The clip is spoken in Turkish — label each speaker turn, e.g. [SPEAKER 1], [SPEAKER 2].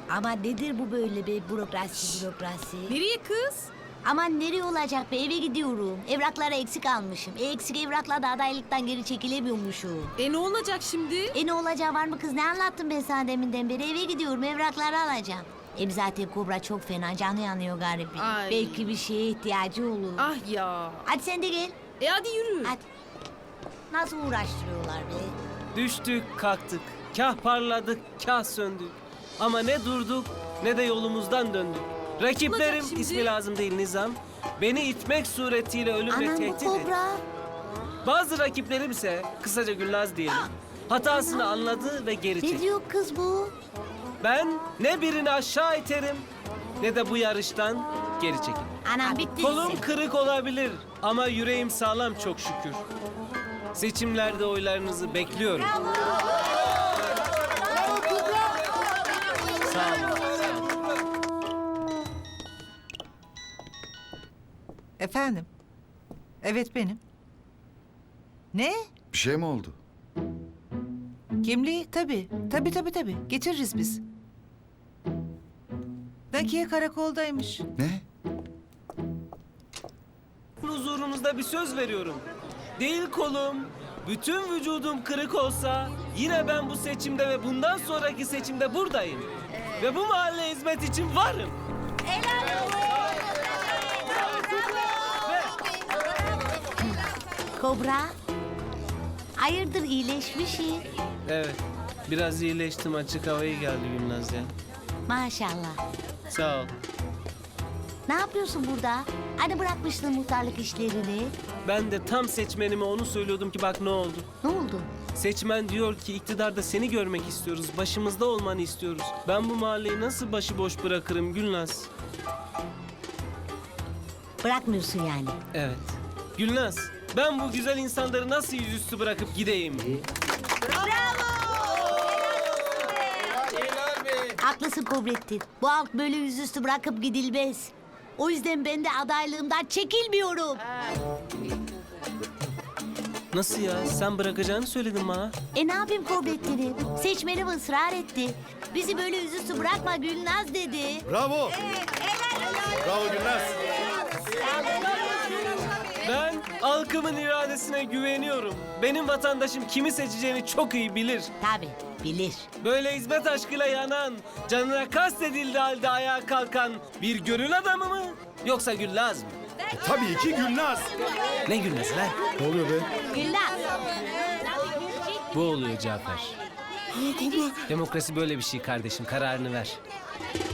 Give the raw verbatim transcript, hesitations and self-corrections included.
[SPEAKER 1] Ama nedir bu böyle be bürokrasi bürokrasi?
[SPEAKER 2] Nereye kız?
[SPEAKER 1] Aman nereye olacak be eve gidiyorum. Evraklara eksik almışım. E eksik evrakla da adaylıktan geri çekilemiyormuşum.
[SPEAKER 2] E ne olacak şimdi?
[SPEAKER 1] E ne olacağı var mı kız ne anlattım ben sana deminden beri eve gidiyorum evrakları alacağım. Hem zaten Kobra çok fena canı yanıyor garibi.
[SPEAKER 2] Ay.
[SPEAKER 1] Belki bir şeye ihtiyacı olur.
[SPEAKER 2] Ah ya.
[SPEAKER 1] Hadi sen de gel.
[SPEAKER 2] E hadi yürü.
[SPEAKER 1] Hadi. Nasıl uğraştırıyorlar be?
[SPEAKER 3] Düştük, kalktık. Kah parladık, kah söndük. Ama ne durduk ne de yolumuzdan döndük. Rakiplerim,
[SPEAKER 2] Olacak şimdi?
[SPEAKER 3] ismi lazım değil Nizam, beni itmek suretiyle ölümle
[SPEAKER 1] Anam bu
[SPEAKER 3] tehdit etti.
[SPEAKER 1] Kobra.
[SPEAKER 3] Bazı rakiplerim ise, kısaca Gülnaz diyelim, hatasını anladı ve geri
[SPEAKER 1] Ne
[SPEAKER 3] çekti.
[SPEAKER 1] diyor kız bu?
[SPEAKER 3] Ben ne birini aşağı iterim ne de bu yarıştan geri çekilirim.
[SPEAKER 1] Anam bitti.
[SPEAKER 3] Kolum kırık olabilir ama yüreğim sağlam çok şükür. Seçimlerde oylarınızı bekliyorum. Sağ olun.
[SPEAKER 4] Efendim? Evet benim. Ne?
[SPEAKER 5] Bir şey mi oldu?
[SPEAKER 4] Kimliği? Tabii. Tabii tabii tabii. Getiririz biz. Nakiye karakoldaymış.
[SPEAKER 5] Ne?
[SPEAKER 3] Huzurunuzda bir söz veriyorum. Değil kolum, bütün vücudum kırık olsa yine ben bu seçimde ve bundan sonraki seçimde buradayım. Ve bu mahalle hizmet için varım.
[SPEAKER 1] Kobra. Hayırdır iyileşmişsin.
[SPEAKER 3] Evet, biraz iyileştim, açık havayı geldi Gülnaz ya.
[SPEAKER 1] Maşallah.
[SPEAKER 3] Sağ ol.
[SPEAKER 1] Ne yapıyorsun burada? Hani bırakmıştın muhtarlık işlerini?
[SPEAKER 3] Ben de tam seçmenime onu söylüyordum ki bak ne oldu.
[SPEAKER 1] Ne oldu?
[SPEAKER 3] Seçmen diyor ki iktidarda seni görmek istiyoruz, başımızda olmanı istiyoruz. Ben bu mahalleyi nasıl başıboş bırakırım Gülnaz?
[SPEAKER 1] Bırakmıyorsun yani.
[SPEAKER 3] Evet. Gülnaz, ben bu güzel insanları nasıl yüzüstü bırakıp gideyim?
[SPEAKER 1] Haklısın Kobrettin. Bu halk böyle yüzüstü bırakıp gidilmez. O yüzden ben de adaylığımdan çekilmiyorum.
[SPEAKER 3] Nasıl ya? Sen bırakacağını söyledin bana.
[SPEAKER 1] E ne yapayım Kobrettin'im? Seçmenim ısrar etti. Bizi böyle yüzüstü bırakma Gülnaz dedi.
[SPEAKER 5] Bravo. Bravo Gülnaz.
[SPEAKER 3] Ben halkımın iradesine güveniyorum. Benim vatandaşım kimi seçeceğini çok iyi bilir.
[SPEAKER 1] Tabii bilir.
[SPEAKER 3] Böyle hizmet aşkıyla yanan, canına kastedildiği halde ayağa kalkan bir gönül adamı mı? Yoksa Gülnaz mı?
[SPEAKER 5] Tabii ki Gülnaz.
[SPEAKER 3] Ne Gülnaz lan?
[SPEAKER 5] Ne oluyor be?
[SPEAKER 1] Gülnaz.
[SPEAKER 3] Bu oluyor Cafer. Demokrasi böyle bir şey kardeşim, kararını ver.